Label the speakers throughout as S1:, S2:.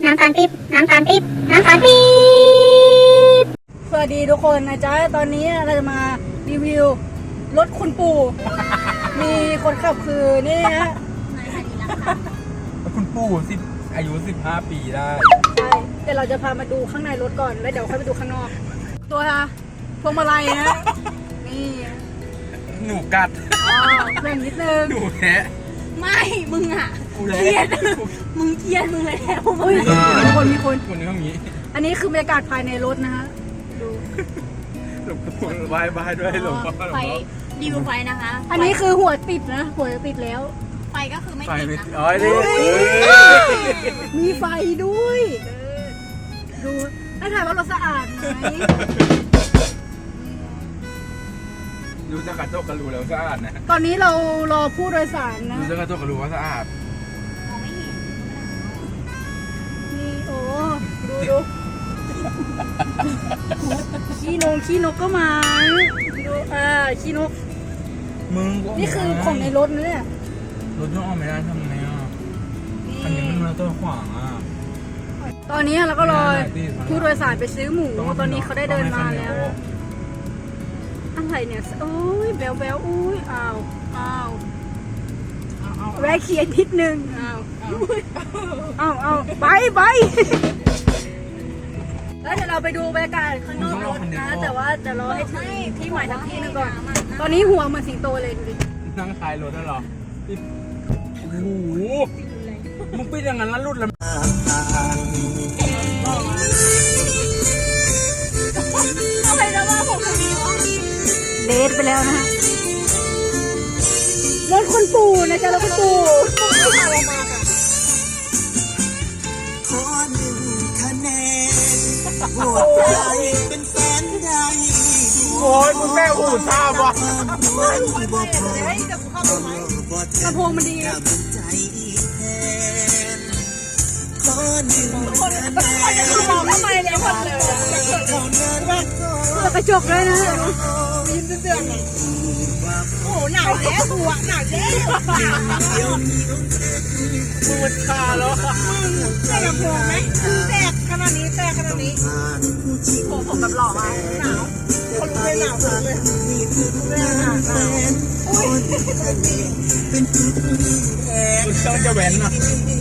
S1: น้ำตาลปิ๊บน้ำตาลปิ๊บน้ำตาลปิ๊บ
S2: สวัสดีทุกคนนะจ๊ะตอนนี้เราจะมารีวิวรถคุณปู่ มีคนขับคือนี่ฮะ
S3: คุณปู่อายุ15 ปีได้
S2: ใช่แต่เราจะพามาดูข้างในรถก่อนแล้วเดี๋ยวค่อยไปดูข้างนอก ตัวพวงมาลัยนะนี่
S3: หนูกัด
S2: แบ่งนิดนึง
S3: หนูแท้
S4: ไม่มึงอ่ะเครียดมึงเครียดมึงเลยแล้ว
S2: อุ้ยมีคน
S3: คนนี้เขามี
S2: อันนี้คือบรรยากาศภายในรถนะฮะดู
S3: หลวงปู่ไหว้ด้วยหลวงพ่อ
S4: ไฟรีวิวไฟนะคะ
S2: อันนี้คือหัวติดนะหัวติดแล้ว
S4: ไฟก็คือไม่ติดนะ
S3: อ๋อนี่
S2: มีไฟด้วยดูให้ถ่ายว่ารถสะอาดไหม
S3: ดูจากกระจกก็รู้แล้วสะอาดนะ
S2: ตอนนี้เรารอผู้โดยสารนะ
S3: ดูจากกระจกก็รู้ว่าสะอาด
S2: นี่โอ้ดูขี้นกก็มาดูขี้นก
S3: มึง
S2: นี่คือของในรถนะเนี่ย
S3: รถต้องออกไม่ได้ทำไงอ่ะคันนี้มันมาตัวขวางอ่ะ
S2: ตอนนี้เราก็รอผู้โดยสารไปซื้อหมูตอนนี้เขาได้เดินมาแล้วอะไรเนี่ยโอ้ยแบวอุ้ยอ้าวแวะเขียนนิดนึงอ้าวไปแล้วเดี๋ยวเราไปดูบรรยากาศข้างนอกรถนะแต่ว่าจะรอให้ถึงที่หมายทั้งที่นึงก่อนตอนนี้หัวเหมือนสิงโตเลยดูดิ
S3: นั่งท้ายรถแล้วหรอโอ้โหมึงปิดอย่างนั้นแล้วรุดแล้ว
S4: อะไรนะว่าผมมี
S2: เลสไปแล้วนะฮะรถคุณปู่นะจ๊ะรถคุณปู่
S3: โอ้ยมึงแม่หูทราบวะ
S2: ลำโพงมันดีมองเข้าไปแล้วหมดเลยกระจกเลยนะยิ้มเสื่อม
S4: โอ้หนาวแล้วตัวหนาวแล้ว
S3: มึงชาแล้ว
S4: แตกหัวไหมแตกขนาดนี้ผมแบบหล่อมาหนาวคนรู้เลยหนาวเลยหนาวอุ้ย
S3: ต้องจะแหวนนะ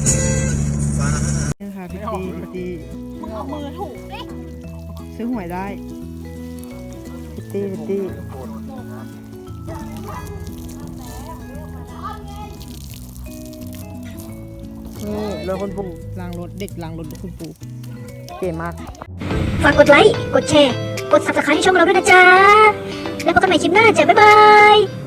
S2: นี่ค่ะพี่ตี
S4: มึงเอามือถูกดิ
S2: ซื้อหวยได้พี่ตีนี่รถคุณปู่ล้างรถเด็กล้างรถคุณปู่เก๋มาก
S1: ฝากกดไลค์กดแชร์กด Subscribe ให้ช่องเราด้วยนะจ๊ะแล้วพบกันใหม่คลิปหน้าจ้ะบ๊ายบาย